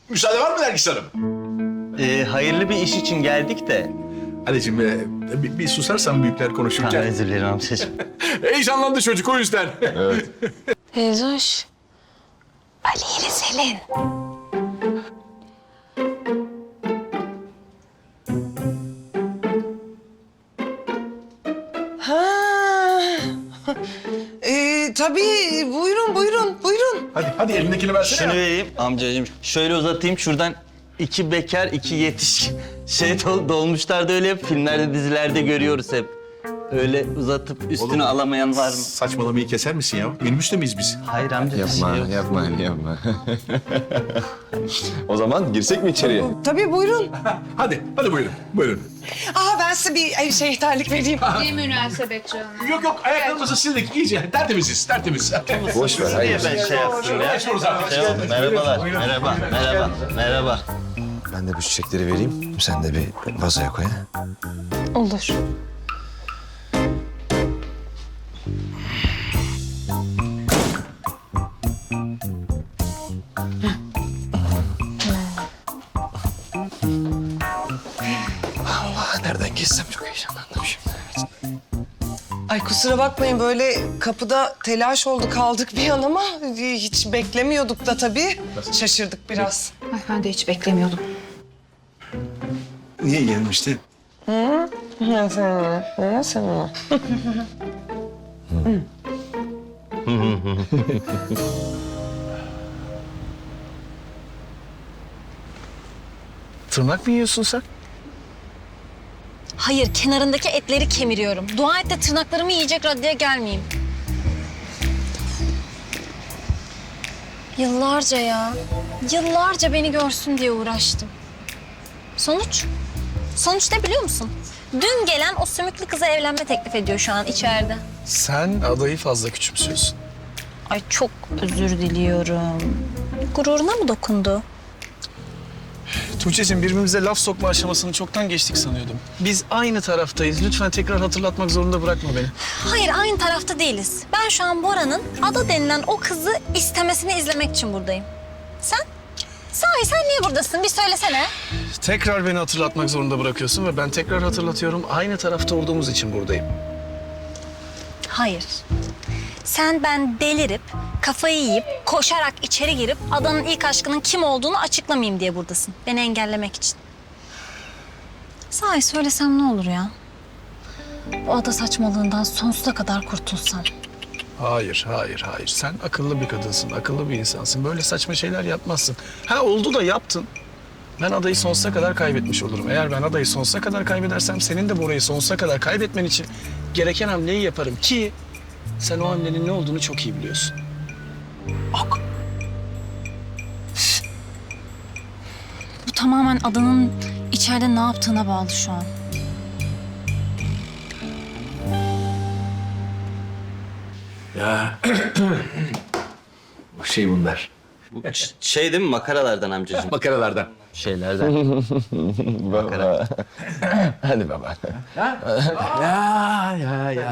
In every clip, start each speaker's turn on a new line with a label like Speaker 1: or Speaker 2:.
Speaker 1: Müsaade var mı Nergis Hanım?
Speaker 2: Hayırlı bir iş için geldik de.
Speaker 1: Anneciğim bir susarsan büyükler konuşurken.
Speaker 2: Özür dilerim amcacığım.
Speaker 1: Heyecanlandı çocuk o yüzden.
Speaker 3: Teyzoş. Ali ile Selin.
Speaker 4: Tabii buyurun.
Speaker 1: Hadi elindekini versene.
Speaker 2: Şunu vereyim amcacığım. Şöyle uzatayım şuradan. İki bekar, iki yetişkin. Dolmuşlarda öyle hep filmlerde, dizilerde görüyoruz hep. Öyle uzatıp üstünü
Speaker 1: Oğlum,
Speaker 2: alamayan var mı?
Speaker 1: Saçmalamayı keser misin ya? Minibüste miyiz biz?
Speaker 2: Hayır amca.
Speaker 5: Yapma. O zaman girsek mi içeriye?
Speaker 4: Tabii buyurun.
Speaker 1: Hadi buyurun.
Speaker 4: Ben size bir terlik vereyim.
Speaker 6: Ne münasebet canım.
Speaker 1: Yok ayaklarımızı sildik iyice. Tertemiz.
Speaker 5: Boş ver,
Speaker 2: Niye
Speaker 5: hayır.
Speaker 2: ben şey yaptım ya?
Speaker 1: Geçiyoruz artık.
Speaker 2: Şey oldu, merhabalar, merhaba.
Speaker 5: Ben de bu çiçekleri vereyim. Sen de bir vazoya koy. Ha?
Speaker 3: Olur.
Speaker 5: Nereden geçsem çok heyecanlandım şimdi.
Speaker 4: Ay kusura bakmayın böyle kapıda telaş oldu kaldık bir an ama hiç beklemiyorduk da tabii. Şaşırdık biraz.
Speaker 6: Ay ben de hiç beklemiyordum.
Speaker 5: Niye gelmişti?
Speaker 4: Sen
Speaker 5: Tırnak mı yiyorsun sen?
Speaker 3: Hayır, kenarındaki etleri kemiriyorum. Dua et de tırnaklarımı yiyecek raddeye gelmeyeyim. Yıllarca ya. Yıllarca beni görsün diye uğraştım. Sonuç? Sonuç ne biliyor musun? Dün gelen o sümüklü kıza evlenme teklif ediyor şu an içeride.
Speaker 5: Sen adayı fazla küçümsüyorsun.
Speaker 3: Ay çok özür diliyorum. Gururuna mı dokundu?
Speaker 7: Tuğçe'cim birbirimize laf sokma aşamasını çoktan geçtik sanıyordum. Biz aynı taraftayız. Lütfen tekrar hatırlatmak zorunda bırakma beni.
Speaker 3: Hayır, aynı tarafta değiliz. Ben şu an Bora'nın Ada denilen o kızı istemesini izlemek için buradayım. Sen? Sahi sen niye buradasın? Bir söylesene.
Speaker 7: Tekrar beni hatırlatmak zorunda bırakıyorsun ve ben tekrar hatırlatıyorum. Aynı tarafta olduğumuz için buradayım.
Speaker 3: Hayır. Sen ben delirip, kafayı yiyip, koşarak içeri girip Adanın ilk aşkının kim olduğunu açıklamayayım diye buradasın. Beni engellemek için. Sahi söylesem ne olur ya? Bu ada saçmalığından sonsuza kadar kurtulsam.
Speaker 7: Hayır. Sen akıllı bir kadınsın, akıllı bir insansın. Böyle saçma şeyler yapmazsın. Ha oldu da yaptın. Ben adayı sonsuza kadar kaybetmiş olurum. Eğer ben adayı sonsuza kadar kaybedersem senin de Bora'yı sonsuza kadar kaybetmen için gereken hamleyi yaparım ki sen o hamlenin ne olduğunu çok iyi biliyorsun.
Speaker 3: Bu tamamen Adanın içeride ne yaptığına bağlı şu an.
Speaker 1: Ya. Bunlar.
Speaker 2: Şey değil mi makaralardan amcacığım?
Speaker 1: Makaralardan.
Speaker 2: Şeylerden.
Speaker 5: Baba. Hadi baba.
Speaker 1: Ya.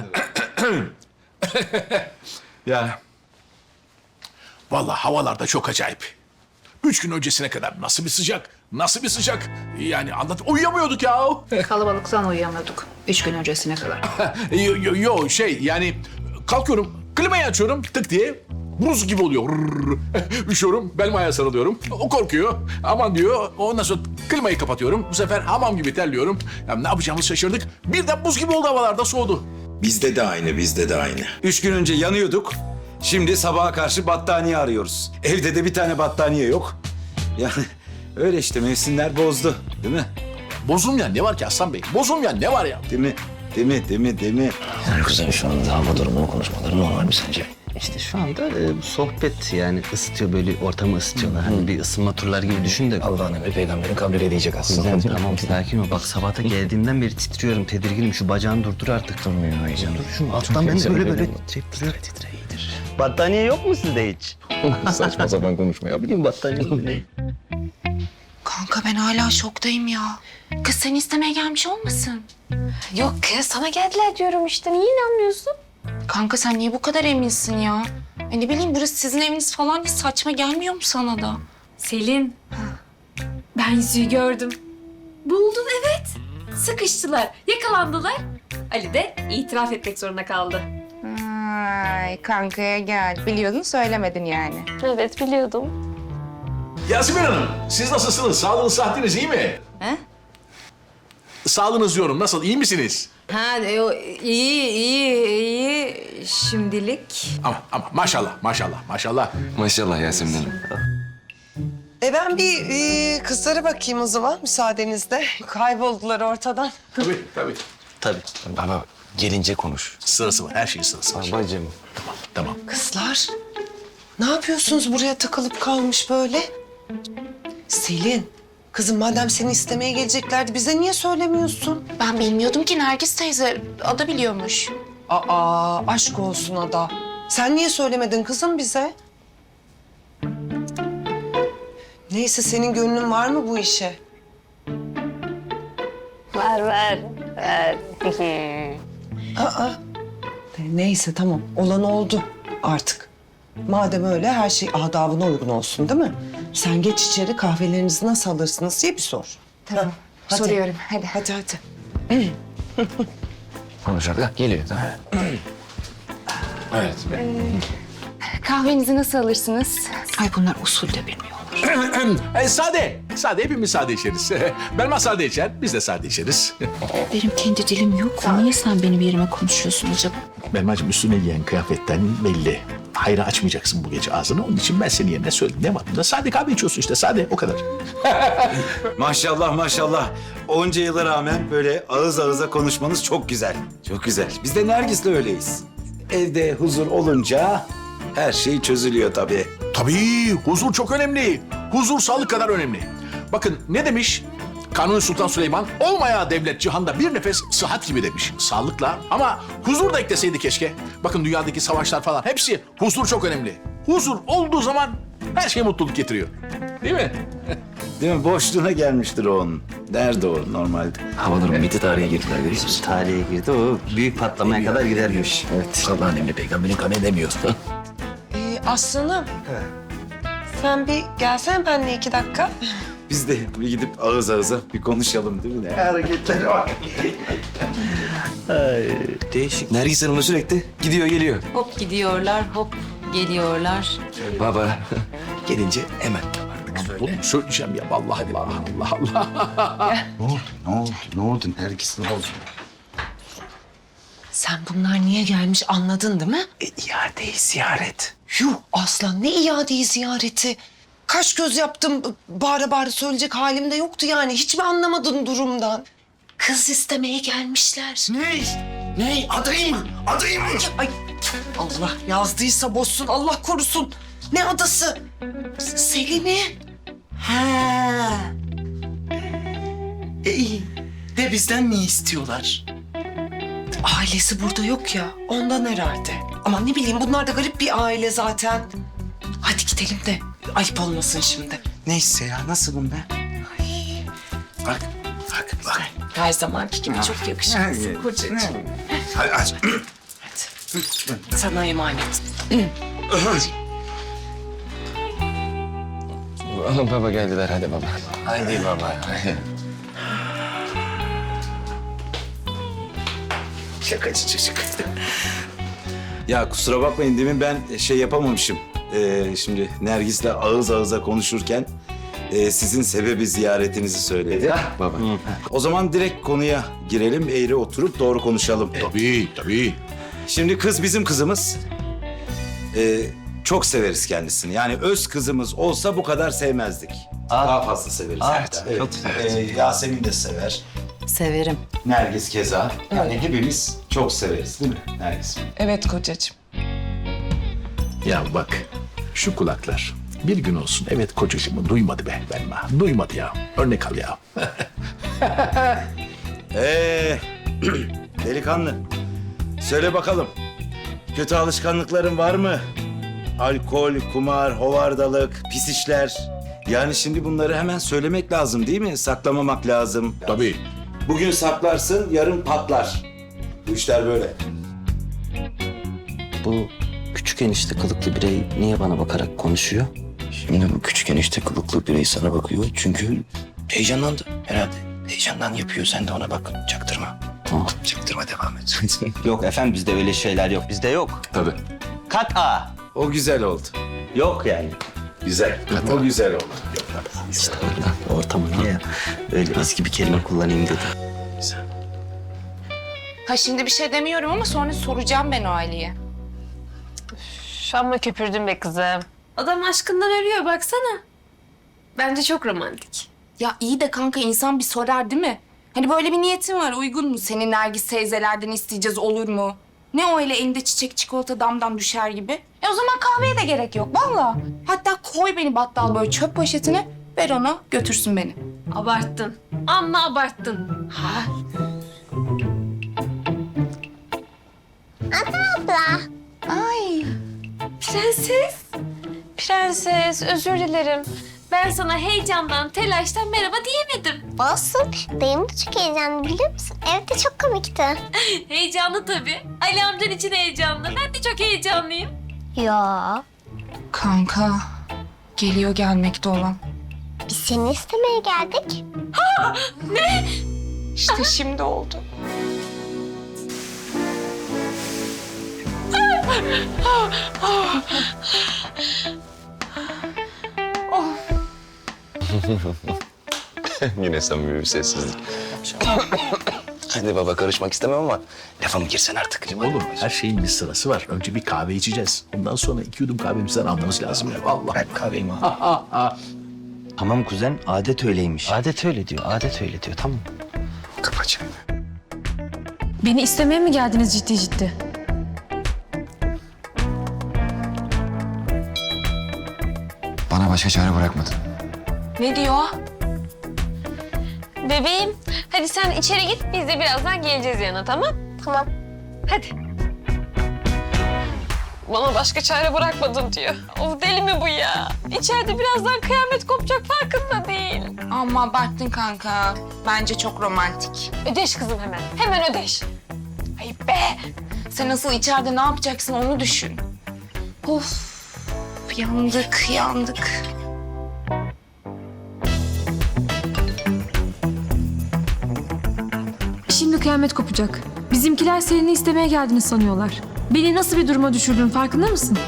Speaker 1: Ya. Vallahi havalarda çok acayip. 3 gün öncesine kadar nasıl bir sıcak. Yani uyuyamıyorduk ya.
Speaker 6: Kalabalıktan uyuyamıyorduk 3 gün öncesine kadar.
Speaker 1: Yani kalkıyorum, klimayı açıyorum tık diye. Buz gibi oluyor. Üşüyorum, belim ayağa sarılıyorum. O korkuyor. Aman diyor. Ondan sonra klimayı kapatıyorum. Bu sefer hamam gibi terliyorum. Ya ne yapacağımızı şaşırdık. Birden buz gibi oldu havalarda soğudu.
Speaker 8: Bizde de aynı. 3 gün önce yanıyorduk. Şimdi sabaha karşı battaniye arıyoruz. Evde de bir tane battaniye yok. Yani öyle işte mevsimler bozdu. Değil mi?
Speaker 1: Bozulmayan ne var ki Aslan Bey? Bozulmayan ne var ya?
Speaker 8: Değil mi?
Speaker 5: Yani kızım şu anda hava durumunu konuşmaları normal mi sence?
Speaker 2: İşte şu anda sohbet yani ısıtıyor böyle ortamı ısıtıyorlar. Hani bir ısınma turları gibi düşün de.
Speaker 5: Allah'ın emri peygamberin kabrine diyecek aslında.
Speaker 2: Tamam sakin ol. Bak sabahta geldiğimden beri titriyorum, tedirginim. Şu bacağını durdur artık.
Speaker 5: Durmuyor heyecan.
Speaker 2: Dur şu alttan ben de böyle titre iyidir. Battaniye yok mu sizde hiç?
Speaker 5: Saçma sapan konuşma ya.
Speaker 2: Bilmiyorum battaniye.
Speaker 6: Kanka ben hala şoktayım ya. Kız seni istemeye gelmiş olmasın?
Speaker 3: Yok kız, sana geldiler diyorum işte. Niye inanmıyorsun?
Speaker 6: Kanka sen niye bu kadar eminsin ya? Ne bileyim burası sizin eviniz falan, saçma gelmiyor mu sana da?
Speaker 3: Selin,
Speaker 9: Ben yüzüğü gördüm. Buldum evet. Sıkıştılar, yakalandılar. Ali de itiraf etmek zorunda kaldı.
Speaker 6: Ay kankaya gel. Biliyordun söylemedin yani.
Speaker 9: Evet biliyordum.
Speaker 1: Yasemin Hanım, siz nasılsınız? Sağlığınız, sıhhatiniz iyi mi?
Speaker 6: He?
Speaker 1: Sağlığınız diyorum. Nasıl? İyi misiniz?
Speaker 6: Ha iyi şimdilik.
Speaker 1: Ama maşallah, maşallah, maşallah.
Speaker 5: Maşallah Yasemin Hanım.
Speaker 4: Ben bir kızlara bakayım o zaman müsaadenizle. Kayboldular ortadan.
Speaker 1: Tabii, tabii.
Speaker 2: Tabii.
Speaker 5: Baba gelince konuş.
Speaker 1: Sırası var, her şeyin sırası var.
Speaker 5: Babacığım.
Speaker 1: Tamam.
Speaker 4: Kızlar, ne yapıyorsunuz buraya takılıp kalmış böyle? Selin, kızım madem seni istemeye geleceklerdi bize niye söylemiyorsun?
Speaker 6: Ben bilmiyordum ki Nergis teyze. Ada biliyormuş.
Speaker 4: Aa, aşk olsun Ada. Sen niye söylemedin kızım bize? Neyse senin gönlün var mı bu işe?
Speaker 9: Var.
Speaker 4: Aa. Neyse tamam olan oldu artık. Madem öyle her şey adabına uygun olsun değil mi? Sen geç içeri kahvelerinizi nasıl alırsınız diye bir sor.
Speaker 6: Tamam.
Speaker 4: Hadi.
Speaker 6: Soruyorum. Hadi.
Speaker 4: Hadi.
Speaker 5: Konuşarak geliyor. Tamam.
Speaker 1: Evet.
Speaker 6: Kahvenizi nasıl alırsınız? Ay bunlar usul de bilmiyorlar.
Speaker 1: Sade. Sade, hepimiz sade içeriz. Belma sade içer, biz de sade içeriz.
Speaker 6: Benim kendi dilim yok. Niye sen benim yerime konuşuyorsun acaba?
Speaker 1: Belmacığım üstüne giyen kıyafetten belli. Hayra açmayacaksın bu gece ağzını. Onun için ben senin yerine söyledim. Ne var bunda? Sade kahve içiyorsun işte, sade. O kadar.
Speaker 8: Maşallah maşallah. Onca yıla rağmen böyle ağız ağıza konuşmanız çok güzel. Çok güzel. Biz de Nergis'le öyleyiz. Evde huzur olunca her şey çözülüyor tabii.
Speaker 1: Tabii, huzur çok önemli. Huzur sağlık kadar önemli. Bakın ne demiş? Kanuni Sultan Süleyman, olmaya devlet cihanda bir nefes sıhhat gibi demiş. Sağlıkla ama huzur da ekleseydi keşke. Bakın dünyadaki savaşlar falan hepsi huzur çok önemli. Huzur olduğu zaman her şey mutluluk getiriyor. Değil mi?
Speaker 8: Değil mi? Boşluğuna gelmiştir o onun. Nerede o normalde?
Speaker 5: Havaların bitti tarihe girdiler görüyor musun?
Speaker 2: Tarihe girdi o büyük patlamaya kadar gidermiş.
Speaker 5: Evet. Allah'ın emri peygamberin kanı edemiyor.
Speaker 4: Aslanım. Sen bir gelsene benimle 2 dakika.
Speaker 8: Biz de bir gidip ağız ağıza bir konuşalım değil mi? Ne hareketleri var.
Speaker 5: Değişik. Nergis Hanım'la sürekli gidiyor geliyor.
Speaker 6: Hop gidiyorlar, hop geliyorlar.
Speaker 5: Baba gelince hemen.
Speaker 1: Oğlum söyleyeceğim ya vallahi Allah Allah Allah.
Speaker 5: Ne oldu Nergis ne oldu?
Speaker 4: Sen bunlar niye gelmiş anladın değil mi?
Speaker 5: İadeyi ziyaret.
Speaker 4: Yuh aslan ne iadeyi ziyareti. Kaş göz yaptım bağıra bağıra söyleyecek halim de yoktu yani. Hiç mi anlamadın durumdan? Kız istemeye gelmişler.
Speaker 5: Ne? Adayı mı? Adayı mı?
Speaker 4: Ay Allah yazdıysa bozsun Allah korusun. Ne adası? Selin'i.
Speaker 10: Ha. İyi. De bizden ne istiyorlar?
Speaker 4: Ailesi burada yok ya ondan herhalde. Ama ne bileyim bunlar da garip bir aile zaten. Hadi gidelim de ayıp olmasın şimdi.
Speaker 10: Neyse ya nasılım ben? Bak.
Speaker 4: Her zamanki gibi çok yakışıklısın kocacığım.
Speaker 10: Hadi aç.
Speaker 4: Sana emanet.
Speaker 5: Baba geldiler hadi baba. Hadi baba.
Speaker 8: Şakacı çocuk. Ya kusura bakmayın demin ben şey yapamamışım. Şimdi Nergis'le ağız ağıza konuşurken sizin sebebi ziyaretinizi söyledi.
Speaker 5: Baba.
Speaker 8: O zaman direkt konuya girelim, eğri oturup doğru konuşalım.
Speaker 1: Tabii tabii.
Speaker 8: Şimdi kız bizim kızımız. Çok severiz kendisini. Yani öz kızımız olsa bu kadar sevmezdik. Daha fazla severiz.
Speaker 2: Evet,
Speaker 8: Evet.
Speaker 2: çok
Speaker 8: Yasemin de sever.
Speaker 6: Severim.
Speaker 8: Nergis keza. Yani hepimiz çok severiz değil mi Nergis?
Speaker 4: Evet kocacığım.
Speaker 1: Ya bak şu kulaklar bir gün olsun evet kocacığımı duymadı be Belma. Duymadı ya. Örnek al ya.
Speaker 8: Delikanlı. Söyle bakalım. Kötü alışkanlıkların var mı? Alkol, kumar, hovardalık, pis işler. Yani şimdi bunları hemen söylemek lazım değil mi? Saklamamak lazım.
Speaker 1: Tabii.
Speaker 8: Bugün saklarsın, yarın patlar. Bu işler böyle.
Speaker 2: Bu küçük enişte kılıklı birey niye bana bakarak konuşuyor?
Speaker 5: Şimdi bu küçük enişte kılıklı birey sana bakıyor çünkü Heyecanlandı herhalde. Heyecandan yapıyor. Sen de ona bak. Çaktırma.
Speaker 2: Tamam.
Speaker 5: Çaktırma, devam et.
Speaker 2: Yok efendim bizde öyle şeyler yok. Bizde yok.
Speaker 1: Tabii.
Speaker 8: A. O güzel oldu.
Speaker 2: Yok yani.
Speaker 8: Güzel. O güzel oldu.
Speaker 2: İşte ortamına ya. Öyle eski bir kelime kullanayım dedim.
Speaker 6: Ha şimdi bir şey demiyorum ama sonra soracağım ben o Ali'ye.
Speaker 9: Amma köpürdün be kızım. Adam aşkından ölüyor baksana. Bence çok romantik.
Speaker 6: Ya iyi de kanka insan bir sorar değil mi? Hani böyle bir niyetin var uygun mu? Senin Nergis teyzelerden isteyeceğiz olur mu? Ne o öyle elinde çiçek çikolata damdan düşer gibi? O zaman kahveye de gerek yok vallahi. Hatta koy beni battal böyle çöp poşetine ver ona götürsün beni.
Speaker 9: Abarttın. Amma abarttın.
Speaker 6: Ha? Ay.
Speaker 9: Prenses. Prenses özür dilerim. Ben sana heyecandan, telaştan merhaba diyemedim.
Speaker 11: Olsun. Dayım da çok heyecanlı biliyor musun? Evde çok komikti.
Speaker 9: Heyecanlı tabii. Ali amcan için heyecanlı. Ben de çok heyecanlıyım.
Speaker 11: Ya
Speaker 6: Kanka geliyor gelmekte olan.
Speaker 11: biz seni istemeye geldik.
Speaker 6: İşte şimdi oldu.
Speaker 5: Yine samimi bir sessizlik. Hadi baba, karışmak istemem ama lafa mı girsen artık?
Speaker 1: Oğlum her şeyin bir sırası var. Önce bir kahve içeceğiz. Ondan sonra 2 yudum kahvemizden almamız lazım ya. Vallahi.
Speaker 5: Bırak kahveyi abi.
Speaker 2: Tamam kuzen adet öyleymiş. Adet öyle diyor. Adet öyle diyor. Tamam.
Speaker 5: Kapa çeneni.
Speaker 9: Beni istemeye mi geldiniz ciddi ciddi?
Speaker 5: Bana başka çare bırakmadın.
Speaker 6: Ne diyor?
Speaker 9: Bebeğim, hadi sen içeri git. Biz de birazdan geleceğiz yanına, tamam?
Speaker 11: Tamam.
Speaker 9: Hadi. Bana başka çare bırakmadın diyor. Of deli mi bu ya? İçeride birazdan kıyamet kopacak farkında değil.
Speaker 6: Ama abarttın kanka. Bence çok romantik.
Speaker 9: Ödeş kızım hemen. Hemen ödeş.
Speaker 6: Ayıp be. Sen nasıl içeride ne yapacaksın onu düşün. Of. Yandık, yandık.
Speaker 9: Şimdi kıyamet kopacak. Bizimkiler seni istemeye geldiğini sanıyorlar. Beni nasıl bir duruma düşürdün farkında mısın?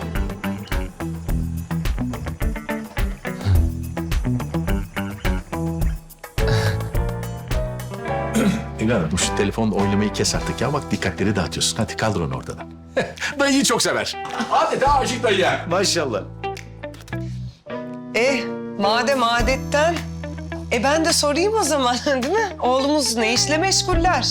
Speaker 1: Evladım şu telefonla oynamayı kes artık ya. Bak dikkatleri dağıtıyorsun. Hadi kaldır onu ortadan. Dayıyı çok sever. Adeta aşık dayıya.
Speaker 8: Maşallah.
Speaker 4: Madem adetten, ben de sorayım o zaman değil mi? Oğlumuz ne işle meşguller?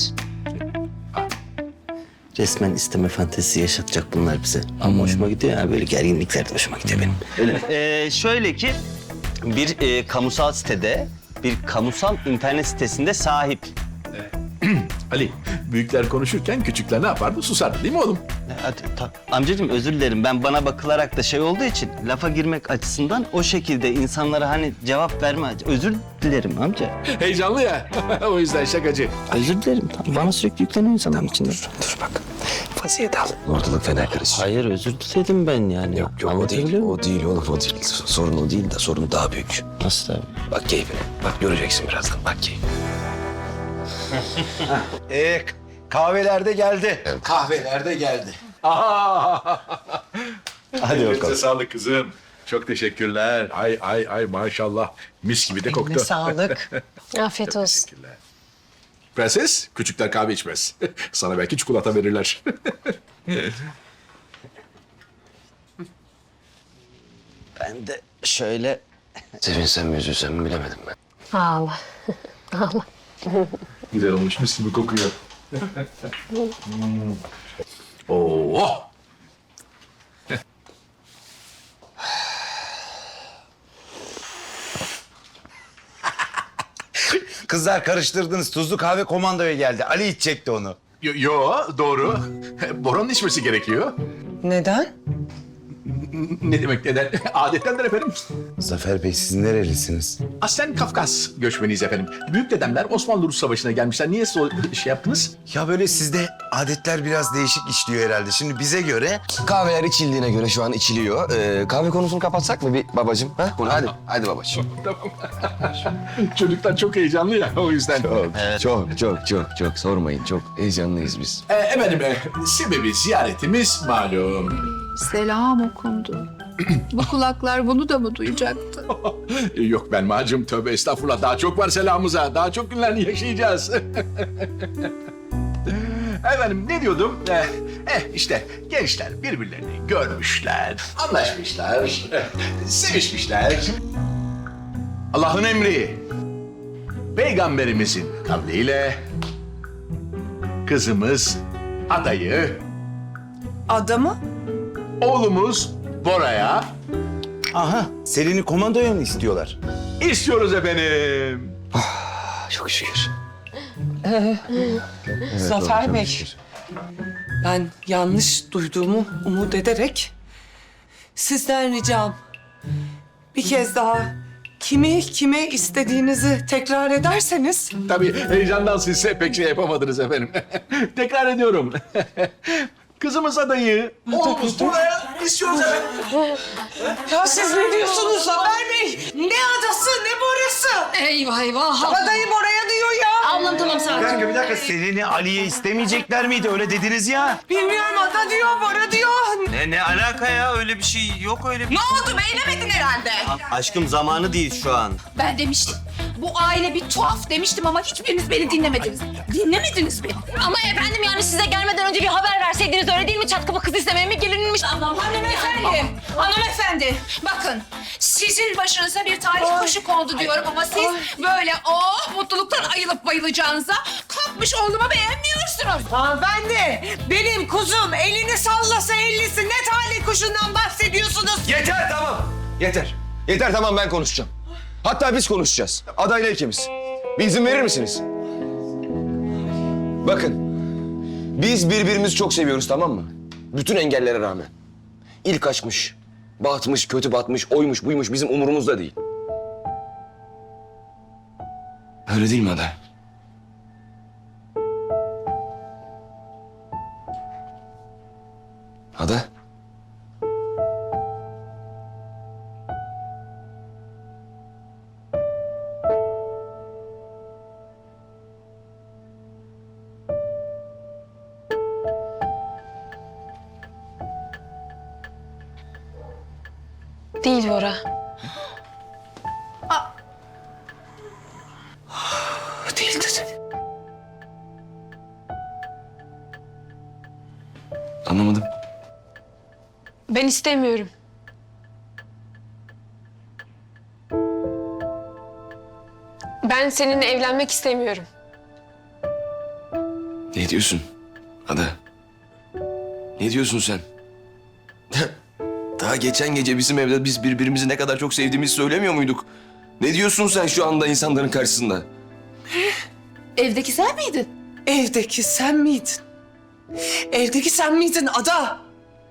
Speaker 2: Resmen isteme fantezisi yaşatacak bunlar bize. Ama hoşuma gidiyor ya. Böyle gerginlikler de hoşuma gidiyor benim. Öyle. Şöyle ki bir kamusal sitede, bir kamusal internet sitesinde sahip.
Speaker 1: Ali, büyükler konuşurken küçükler ne yapardı? Susardı değil mi oğlum?
Speaker 2: Hadi, amcacığım özür dilerim. Ben bana bakılarak da şey olduğu için lafa girmek açısından o şekilde insanlara hani cevap verme. Özür dilerim amca.
Speaker 1: Heyecanlı ya. O yüzden şakacı.
Speaker 2: Özür dilerim. Tamam. Bana sürekli yükleniyor insanların içinde.
Speaker 5: Dur bak. Vaziyet al. Ortalık fena karışır.
Speaker 2: Hayır özür diledim ben yani.
Speaker 5: Yok o değil.
Speaker 2: Anlatabiliyor muyum?
Speaker 5: O değil oğlum, o değil. Sorun o değil de sorun daha büyük.
Speaker 2: Nasıl abi?
Speaker 5: Bak keyfine. Bak göreceksin birazdan. Bak keyfine.
Speaker 8: Kahvelerde geldi. Evet. Kahvelerde geldi.
Speaker 2: Hadi bakalım.
Speaker 1: Sağlık kızım. Çok teşekkürler. Ay maşallah. Mis gibi de koktu.
Speaker 4: Eline sağlık.
Speaker 9: Afiyet olsun.
Speaker 1: Teşekkürler. Prenses, küçükler kahve içmez. Sana belki çikolata verirler.
Speaker 2: Ben de şöyle...
Speaker 5: Sevinsem mi üzülsem mi bilemedim ben.
Speaker 9: Allah. Allah.
Speaker 1: Güzel olmuş, mis gibi kokuyor. Oo.
Speaker 8: Kızlar karıştırdınız. Tuzlu kahve komandoya geldi. Ali içecekti onu.
Speaker 1: Yo, doğru. Boran'ın içmesi gerekiyor.
Speaker 4: Neden?
Speaker 1: Ne demek neden? Adettendir efendim.
Speaker 5: Zafer Bey siz nerelisiniz?
Speaker 1: Aslen Kafkas göçmeniyiz efendim. Büyük dedemler Osmanlı-Rus Savaşı'na gelmişler. Niye şey yaptınız?
Speaker 5: Ya böyle sizde adetler biraz değişik işliyor herhalde. Şimdi bize göre kahveler içildiğine göre şu an içiliyor. Kahve konusunu kapatsak mı bir babacığım? Ha? Bunu hadi babacığım.
Speaker 1: Tamam. Çocuklar çok heyecanlı ya o yüzden.
Speaker 5: Çok sormayın. Çok heyecanlıyız biz.
Speaker 1: Efendim sebebi ziyaretimiz malum.
Speaker 12: Selam okundu. Bu kulaklar bunu da mı duyacaktı?
Speaker 1: Yok Belma'cığım tövbe estağfurullah. Daha çok var selamımıza. Daha çok günler yaşayacağız. Efendim ne diyordum? İşte gençler birbirlerini görmüşler, anlaşmışlar, sevişmişler. Allah'ın emri, peygamberimizin kavliyle kızımız adayı,
Speaker 4: Adamı?
Speaker 1: oğlumuz Bora'ya
Speaker 5: Aha, Selin'i komandoya mı istiyorlar?
Speaker 1: istiyoruz efendim.
Speaker 5: Çok şükür.
Speaker 4: Zafer Bey. Ben yanlış duyduğumu umut ederek sizden ricam bir kez daha kimi kime istediğinizi tekrar ederseniz.
Speaker 1: Tabii heyecandan sizse pek şey yapamadınız efendim. Tekrar ediyorum. Kızımız adayı, oğlumuz Bora'ya istiyoruz efendim.
Speaker 4: Ya siz ne diyorsunuz Zafer Bey? Ne adası ne Bora'sı?
Speaker 12: Eyvah eyvah.
Speaker 4: Adayı Bora'ya diyor ya.
Speaker 12: Ablam tamam sakin.
Speaker 5: Bir dakika Selin'i Ali'ye istemeyecekler miydi? Öyle dediniz ya.
Speaker 4: Bilmiyorum ada diyor Bora diyor.
Speaker 2: Ne alaka ya? Öyle bir şey yok öyle bir
Speaker 6: Ne oldu beğenemedin herhalde.
Speaker 2: Aşkım zamanı değil şu an.
Speaker 12: Ben demiştim. Bu aile bir tuhaf demiştim ama hiçbiriniz beni dinlemediniz. Dinlemediniz beni.
Speaker 3: Ama efendim yani size gelmeden önce bir haber verseydiniz öyle değil mi? Çat kapı kız istemeye mi gelinmiş?
Speaker 12: Hanımefendi, bakın sizin başınıza bir talih kuşu kondu diyorum ama siz böyle mutluluktan ayılıp bayılacağınıza kalkmış oğlumu beğenmiyorsunuz.
Speaker 4: Hanımefendi benim kuzum elini sallasa ellisi ne talih kuşundan bahsediyorsunuz?
Speaker 5: Yeter tamam. Yeter. Yeter tamam ben konuşacağım. Hatta biz konuşacağız. Adayla ikimiz. Bir izin verir misiniz? Bakın. Biz birbirimizi çok seviyoruz tamam mı? Bütün engellere rağmen. İlk aşkmış, batmış, kötü batmış, oymuş, buymuş bizim umurumuzda değil. Öyle değil mi Ada? Ada?
Speaker 9: Değil Bora.
Speaker 4: Değil dedi.
Speaker 5: Anlamadım.
Speaker 9: Ben istemiyorum. Ben seninle evlenmek istemiyorum.
Speaker 5: Ne diyorsun Ada? Ne diyorsun sen? Daha geçen gece bizim evde biz birbirimizi ne kadar çok sevdiğimizi söylemiyor muyduk? Ne diyorsun sen şu anda insanların karşısında?
Speaker 12: Evdeki sen miydin?
Speaker 4: Evdeki sen miydin? Evdeki sen miydin ada?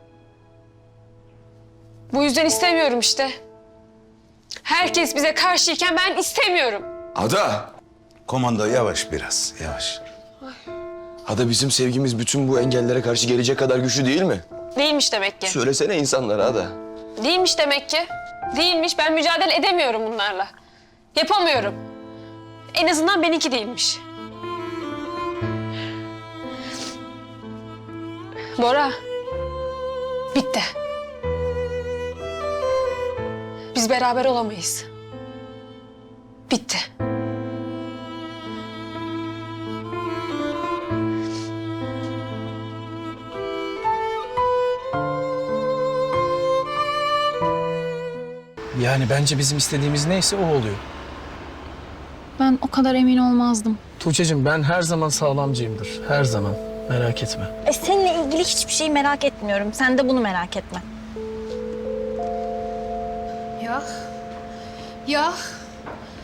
Speaker 9: Bu yüzden istemiyorum işte. Herkes bize karşıyken ben istemiyorum.
Speaker 5: Ada!
Speaker 8: Komando yavaş biraz, yavaş.
Speaker 5: Ada bizim sevgimiz bütün bu engellere karşı gelecek kadar güçlü değil mi?
Speaker 9: Değilmiş demek ki.
Speaker 5: Söylesene insanlara Ada.
Speaker 9: Değilmiş demek ki. Değilmiş. Ben mücadele edemiyorum bunlarla. Yapamıyorum. En azından benimki değilmiş. Bora. Bitti. Biz beraber olamayız. Bitti.
Speaker 7: Yani bence bizim istediğimiz neyse o oluyor.
Speaker 3: Ben o kadar emin olmazdım.
Speaker 7: Tuğçe'cim ben her zaman sağlamcıyımdır. Her zaman. Merak etme.
Speaker 3: Seninle ilgili hiçbir şeyi merak etmiyorum. Sen de bunu merak etme.
Speaker 12: Ya. Ya.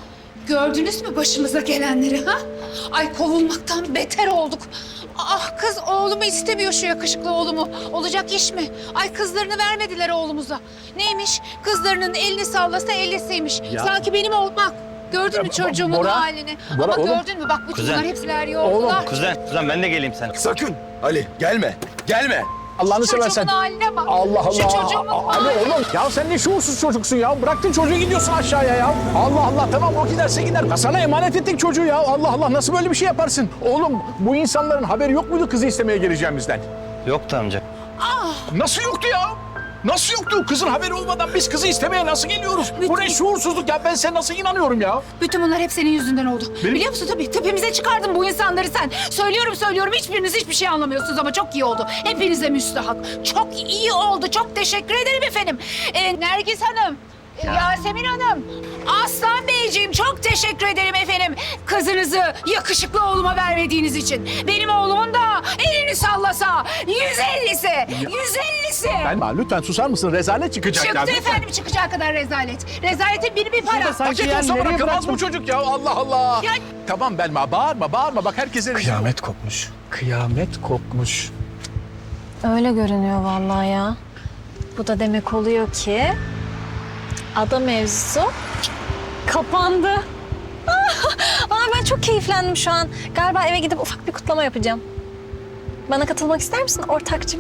Speaker 12: Gördünüz mü başımıza gelenleri ha? Ay kovulmaktan beter olduk. Ah kız oğlumu istemiyor şu yakışıklı oğlumu. Olacak iş mi? Ay kızlarını vermediler oğlumuza. Neymiş? Kızlarının elini sallasa ellisiymiş. Sanki benim olmak. Gördün mü çocuğumun
Speaker 1: Bora,
Speaker 12: halini?
Speaker 1: Bora,
Speaker 12: Ama
Speaker 1: oğlum.
Speaker 12: gördün mü? Bak bütün
Speaker 2: Kuzen.
Speaker 12: bunlar hepsi veriyor oldular.
Speaker 2: Kuzen ben de geleyim sana.
Speaker 5: Sakın. Ali gelme. Gelme.
Speaker 1: Allah'ını
Speaker 12: Çocuğumun
Speaker 1: seversen.
Speaker 12: haline bak.
Speaker 1: Allah Allah.
Speaker 12: Şu çocuğumun
Speaker 1: Ali
Speaker 12: haline.
Speaker 1: oğlum ya sen ne şuursuz çocuksun ya. Bıraktın çocuğu gidiyorsun aşağıya ya. Allah Allah tamam o giderse gider. Sana emanet ettik çocuğu ya. Allah Allah nasıl böyle bir şey yaparsın? Oğlum bu insanların haberi yok muydu kızı istemeye geleceğimizden?
Speaker 2: Yoktu amca.
Speaker 1: Nasıl yoktu ya? Nasıl yoktu? Kızın haberi olmadan biz kızı istemeye nasıl geliyoruz? Bu ne şuursuzluk ya? Ben sana nasıl inanıyorum ya?
Speaker 12: Bütün bunlar hep senin yüzünden oldu. Biliyor musun tabii tepemize çıkardın bu insanları sen. Söylüyorum hiçbiriniz hiçbir şey anlamıyorsunuz ama çok iyi oldu. Hepinize müstahak. Çok iyi oldu. Çok teşekkür ederim efendim. Nergis Hanım, Yasemin Hanım, Aslan Beyciğim çok teşekkür ederim efendim. Kızınızı yakışıklı oğluma vermediğiniz için. Benim oğlumun da elini sallasa 150'si, 150'si.
Speaker 1: Ben lütfen susar mısın? Rezalet çıkacak ya.
Speaker 12: Çıktı
Speaker 1: lütfen.
Speaker 12: efendim çıkacağı kadar rezalet. Rezaletin bir para.
Speaker 1: Paket olsa bırakamaz bu çocuk ya. Allah Allah.
Speaker 12: Ya-
Speaker 1: Tamam Belma bağırma. Bak herkese rezil.
Speaker 7: Kıyamet kopmuş. Kıyamet kopmuş.
Speaker 3: Öyle görünüyor vallahi ya. Bu da demek oluyor ki ada mevzusu kapandı. Ben çok keyiflendim şu an. Galiba eve gidip ufak bir kutlama yapacağım. Bana katılmak ister misin ortakcığım?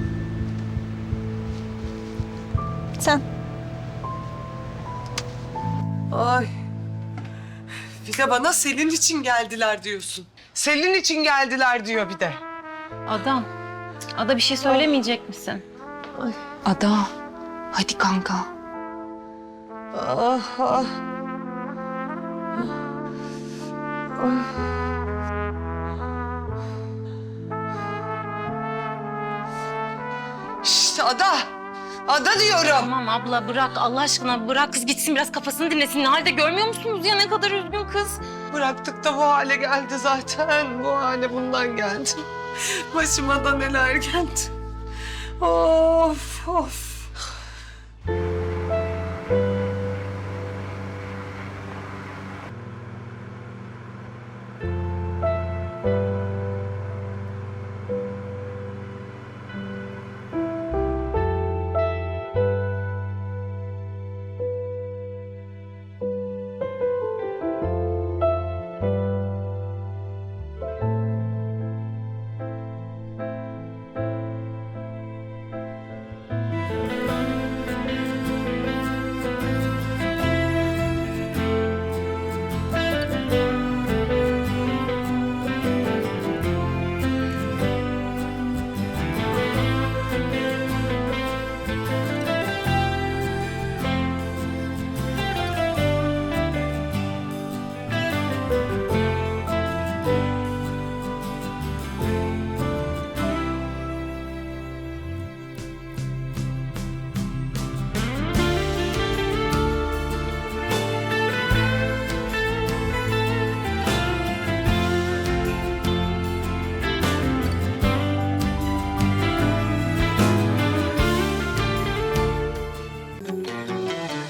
Speaker 3: Sen.
Speaker 4: Ay. Bir de bana Selin için geldiler diyorsun. Selin için geldiler diyor bir de.
Speaker 9: Ada bir şey söylemeyecek misin?
Speaker 6: Ada, hadi kanka.
Speaker 4: Ah ah. Şşt Ada. Ada diyorum.
Speaker 9: Tamam abla bırak Allah aşkına bırak kız gitsin biraz kafasını dinlesin. Ne halde görmüyor musunuz ya ne kadar üzgün kız.
Speaker 4: Bıraktık da bu hale geldi zaten. Bu hale bundan geldi. Başıma da neler geldi. Of of.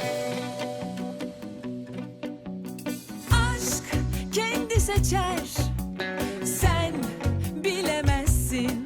Speaker 13: Aşk kendi seçer